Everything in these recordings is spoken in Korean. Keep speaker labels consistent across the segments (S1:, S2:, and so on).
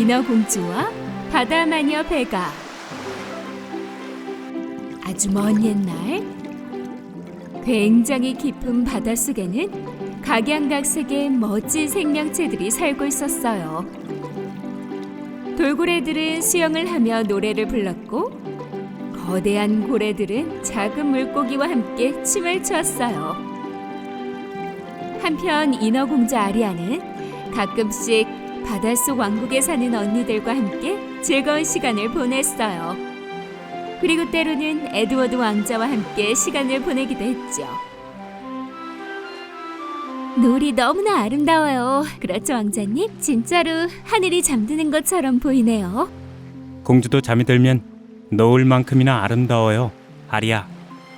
S1: 인어공주와 바다마녀 베가. 아주 먼 옛날, 굉장히 깊은 바닷속에는 각양각색의 멋진 생명체들이 살고 있었어요. 돌고래들은 수영을 하며 노래를 불렀고, 거대한 고래들은 작은 물고기와 함께 춤을 추었어요. 한편 인어공주 아리아는 가끔씩 바닷속 왕국에 사는 언니들과 함께 즐거운 시간을 보냈어요. 그리고 때로는 에드워드 왕자와 함께 시간을 보내기도 했죠. 노을이 너무나 아름다워요. 그렇죠, 왕자님? 진짜로 하늘이 잠드는 것처럼 보이네요.
S2: 공주도 잠이 들면 노을만큼이나 아름다워요, 아리아.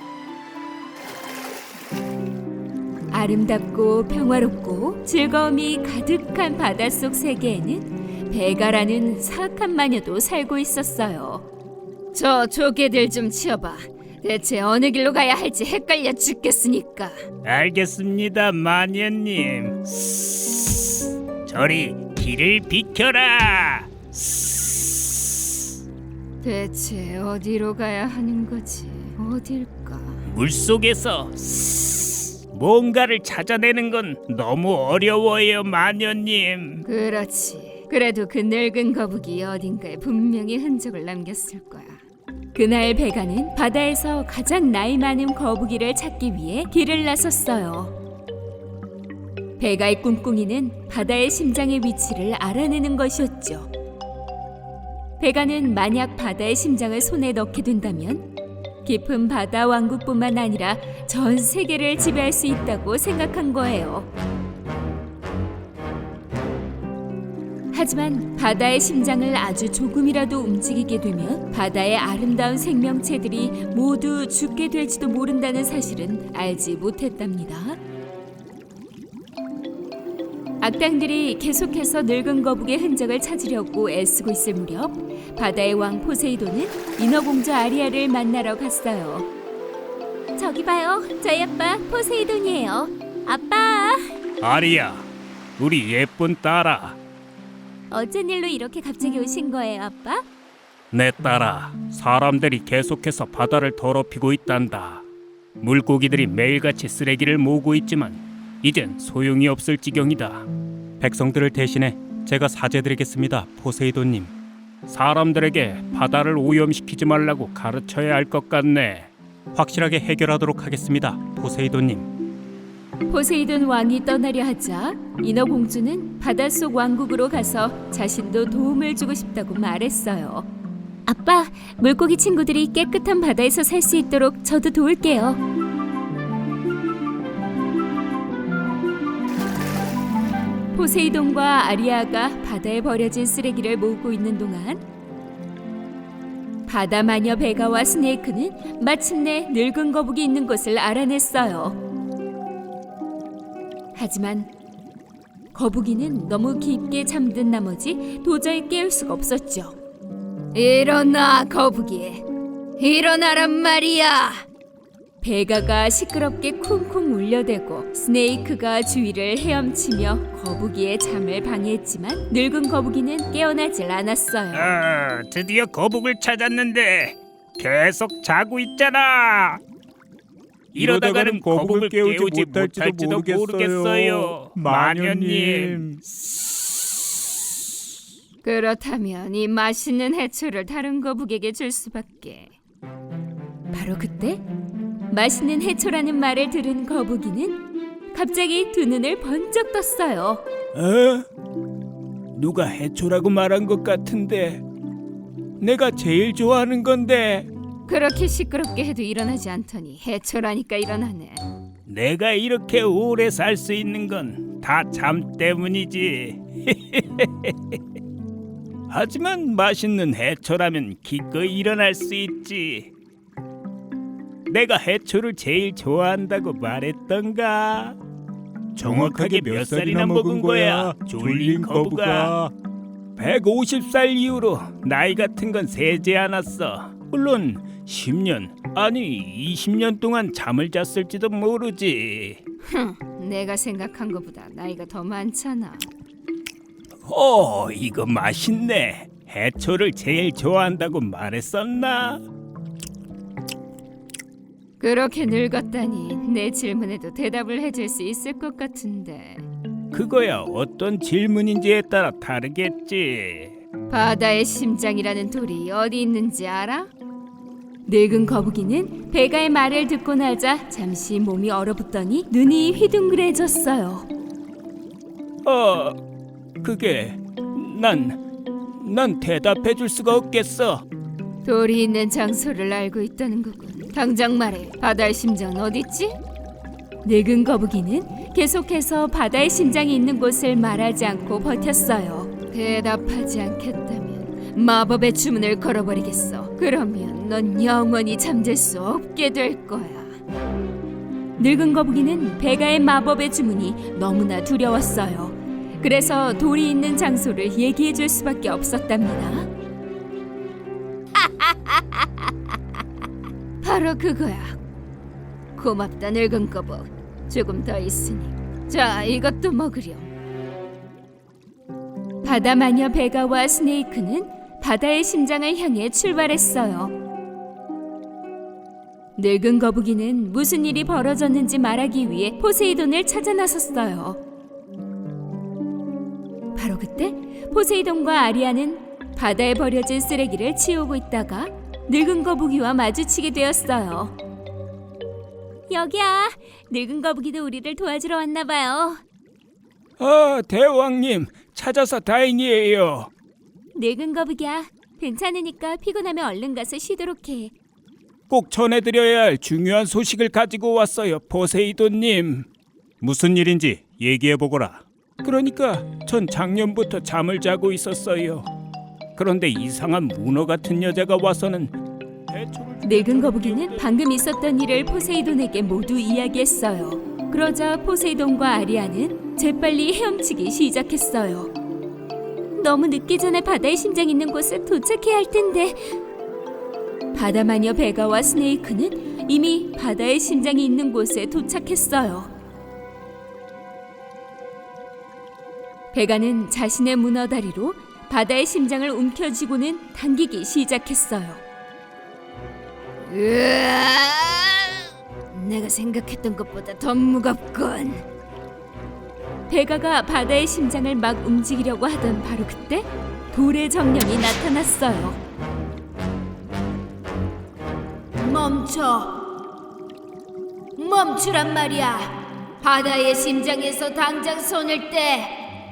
S1: 아름답고 평화롭고 즐거움이 가득한 바닷속 세계에는 베가라는 사악한 마녀도 살고 있었어요. 저 조개들 좀 치워봐. 대체 어느 길로 가야 할지 헷갈려 죽겠으니까.
S3: 알겠습니다, 마녀님. 저리 길을 비켜라.
S1: 대체 어디로 가야 하는 거지? 어딜까?
S3: 물속에서 뭔가를 찾아내는 건 너무 어려워요, 마녀님.
S1: 그렇지. 그래도 그 늙은 거북이 어딘가에 분명히 흔적을 남겼을 거야. 그날 베가는 바다에서 가장 나이 많은 거북이를 찾기 위해 길을 나섰어요. 베가의 꿍꿍이는 바다의 심장의 위치를 알아내는 것이었죠. 베가는 만약 바다의 심장을 손에 넣게 된다면 깊은 바다 왕국뿐만 아니라 전 세계를 지배할 수 있다고 생각한 거예요. 하지만 바다의 심장을 아주 조금이라도 움직이게 되면 바다의 아름다운 생명체들이 모두 죽게 될지도 모른다는 사실은 알지 못했답니다. 악당들이 계속해서 늙은 거북이의 흔적을 찾으려고 애쓰고 있을 무렵 바다의 왕 포세이돈은 인어공주 아리아를 만나러 갔어요. 저기 봐요. 저희 아빠 포세이돈이에요. 아빠!
S3: 아리야, 우리 예쁜 딸아.
S1: 어쩐 일로 이렇게 갑자기 오신 거예요, 아빠?
S3: 내 딸아, 사람들이 계속해서 바다를 더럽히고 있단다. 물고기들이 매일같이 쓰레기를 모으고 있지만 이젠 소용이 없을 지경이다.
S2: 백성들을 대신해 제가 사죄드리겠습니다, 포세이돈님.
S3: 사람들에게 바다를 오염시키지 말라고 가르쳐야 할 것 같네.
S2: 확실하게 해결하도록 하겠습니다, 포세이돈님.
S1: 포세이돈 왕이 떠나려 하자 인어공주는 바닷속 왕국으로 가서 자신도 도움을 주고 싶다고 말했어요. 아빠, 물고기 친구들이 깨끗한 바다에서 살 수 있도록 저도 도울게요. 포세이돈과 아리아가 바다에 버려진 쓰레기를 모으고 있는 동안 바다마녀 베가와 스네이크는 마침내 늙은 거북이 있는 곳을 알아냈어요. 하지만 거북이는 너무 깊게 잠든 나머지 도저히 깨울 수가 없었죠. 일어나, 거북이. 일어나란 말이야. 베가가 시끄럽게 쿵쿵 울려대고 스네이크가 주위를 헤엄치며 거북이의 잠을 방해했지만 늙은 거북이는 깨어나질 않았어요.
S3: 드디어 거북을 찾았는데 계속 자고 있잖아. 이러다가는 거북을 깨우지 못할지도 모르겠어요, 마녀님.
S1: 그렇다면 이 맛있는 해초를 다른 거북에게 줄 수밖에. 바로 그때 맛있는 해초라는 말을 들은 거북이는 갑자기 두 눈을 번쩍 떴어요.
S3: 누가 해초라고 말한 것 같은데 내가 제일 좋아하는 건데.
S1: 그렇게 시끄럽게 해도 일어나지 않더니 해초라니까 일어나네.
S3: 내가 이렇게 오래 살 수 있는 건 다 잠 때문이지. 하지만 맛있는 해초라면 기꺼이 일어날 수 있지. 내가 해초를 제일 좋아한다고 말했던가? 정확하게 몇 살이나 먹은 거야, 졸린 거북아? 150살 이후로 나이 같은 건 세지 않았어. 물론 10년, 아니 20년 동안 잠을 잤을지도 모르지.
S1: 내가 생각한 것보다 나이가 더 많잖아.
S3: 이거 맛있네. 해초를 제일 좋아한다고 말했었나?
S1: 그렇게 늙었다니 내 질문에도 대답을 해줄 수 있을 것 같은데.
S3: 그거야 어떤 질문인지에 따라 다르겠지.
S1: 바다의 심장이라는 돌이 어디 있는지 알아? 늙은 거북이는 베가의 말을 듣고 나자 잠시 몸이 얼어붙더니 눈이 휘둥그레졌어요.
S3: 그게 난 대답해 줄 수가 없겠어.
S1: 돌이 있는 장소를 알고 있다는 거군. 당장 말해. 바다의 심장은 어딨지? 늙은 거북이는 계속해서 바다의 심장이 있는 곳을 말하지 않고 버텼어요. 대답하지 않겠다면 마법의 주문을 걸어버리겠어. 그러면 넌 영원히 잠들 수 없게 될 거야. 늙은 거북이는 베가의 마법의 주문이 너무나 두려웠어요. 그래서 돌이 있는 장소를 얘기해 줄 수밖에 없었답니다. 바로 그거야. 고맙다 늙은 거북. 조금 더 있으니. 자, 이것도 먹으렴. 바다 마녀 베가와 스네이크는 바다의 심장을 향해 출발했어요. 늙은 거북이는 무슨 일이 벌어졌는지 말하기 위해 포세이돈을 찾아 나섰어요. 바로 그때 포세이돈과 아리아는 바다에 버려진 쓰레기를 치우고 있다가 늙은 거북이와 마주치게 되었어요. 여기야. 늙은 거북이도 우리를 도와주러 왔나 봐요.
S3: 대왕님 찾아서 다행이에요.
S1: 늙은 거북이야. 괜찮으니까 피곤하면 얼른 가서 쉬도록 해.
S3: 꼭 전해드려야 할 중요한 소식을 가지고 왔어요, 포세이돈님.
S2: 무슨 일인지 얘기해 보거라.
S3: 그러니까 전 작년부터 잠을 자고 있었어요. 그런데 이상한 문어 같은 여자가 와서는
S1: 늙은 거북이는 방금 있었던 일을 포세이돈에게 모두 이야기했어요. 그러자 포세이돈과 아리아는 재빨리 헤엄치기 시작했어요. 너무 늦기 전에 바다의 심장 있는 곳에 도착해야 할 텐데. 바다 마녀 베가와 스네이크는 이미 바다의 심장이 있는 곳에 도착했어요. 베가는 자신의 문어 다리로 바다의 심장을 움켜쥐고는 당기기 시작했어요. 내가 생각했던 것보다 더 무겁군. 베가가 바다의 심장을 막 움직이려고 하던 바로 그때 돌의 정령이 나타났어요. 멈추란 말이야. 바다의 심장에서 당장 손을 떼.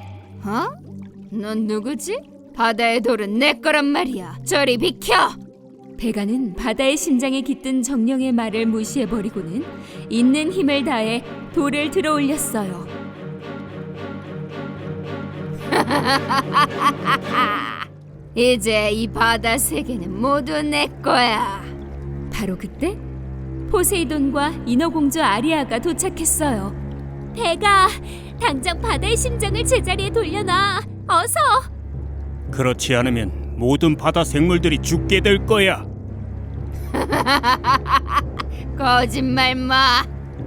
S1: 넌 누구지? 바다의 돌은 내 거란 말이야. 저리 비켜. 베가는 바다의 심장에 깃든 정령의 말을 무시해버리고는 있는 힘을 다해 돌을 들어 올렸어요. 이제 이 바다 세계는 모두 내 거야. 바로 그때 포세이돈과 인어공주 아리아가 도착했어요. 베가, 당장 바다의 심장을 제자리에 돌려놔. 어서.
S2: 그렇지 않으면 모든 바다 생물들이 죽게 될 거야.
S1: 거짓말 마.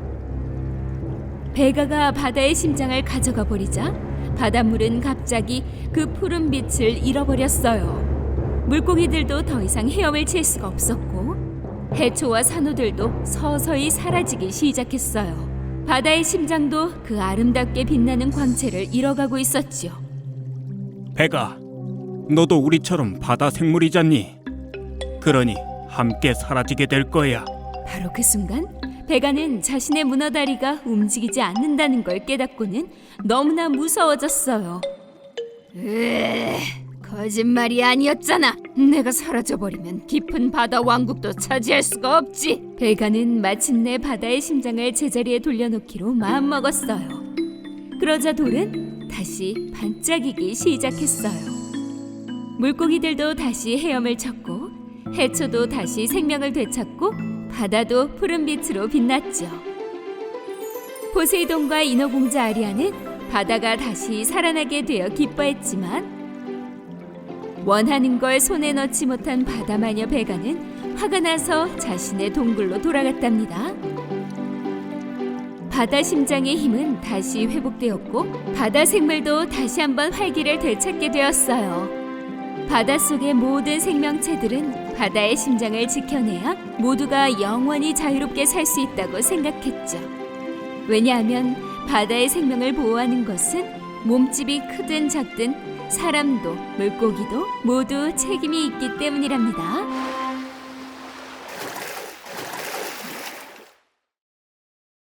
S1: 베가가 바다의 심장을 가져가 버리자 바닷물은 갑자기 그 푸른 빛을 잃어버렸어요. 물고기들도 더 이상 헤엄을 칠 수가 없었고 해초와 산호들도 서서히 사라지기 시작했어요. 바다의 심장도 그 아름답게 빛나는 광채를 잃어가고 있었지요.
S2: 베가, 너도 우리처럼 바다 생물이잖니. 그러니 함께 사라지게 될 거야.
S1: 바로 그 순간 베가는 자신의 문어다리가 움직이지 않는다는 걸 깨닫고는 너무나 무서워졌어요. 거짓말이 아니었잖아. 내가 사라져버리면 깊은 바다 왕국도 차지할 수가 없지. 베가는 마침내 바다의 심장을 제자리에 돌려놓기로 마음먹었어요. 그러자 돌은 다시 반짝이기 시작했어요. 물고기들도 다시 헤엄을 쳤고 해초도 다시 생명을 되찾고 바다도 푸른 빛으로 빛났죠. 포세이돈과 인어공주 아리아는 바다가 다시 살아나게 되어 기뻐했지만 원하는 걸 손에 넣지 못한 바다마녀 베가는 화가 나서 자신의 동굴로 돌아갔답니다. 바다 심장의 힘은 다시 회복되었고 바다 생물도 다시 한번 활기를 되찾게 되었어요. 바닷속의 모든 생명체들은 바다의 심장을 지켜내야 모두가 영원히 자유롭게 살 수 있다고 생각했죠. 왜냐하면 바다의 생명을 보호하는 것은 몸집이 크든 작든 사람도 물고기도 모두 책임이 있기 때문이랍니다.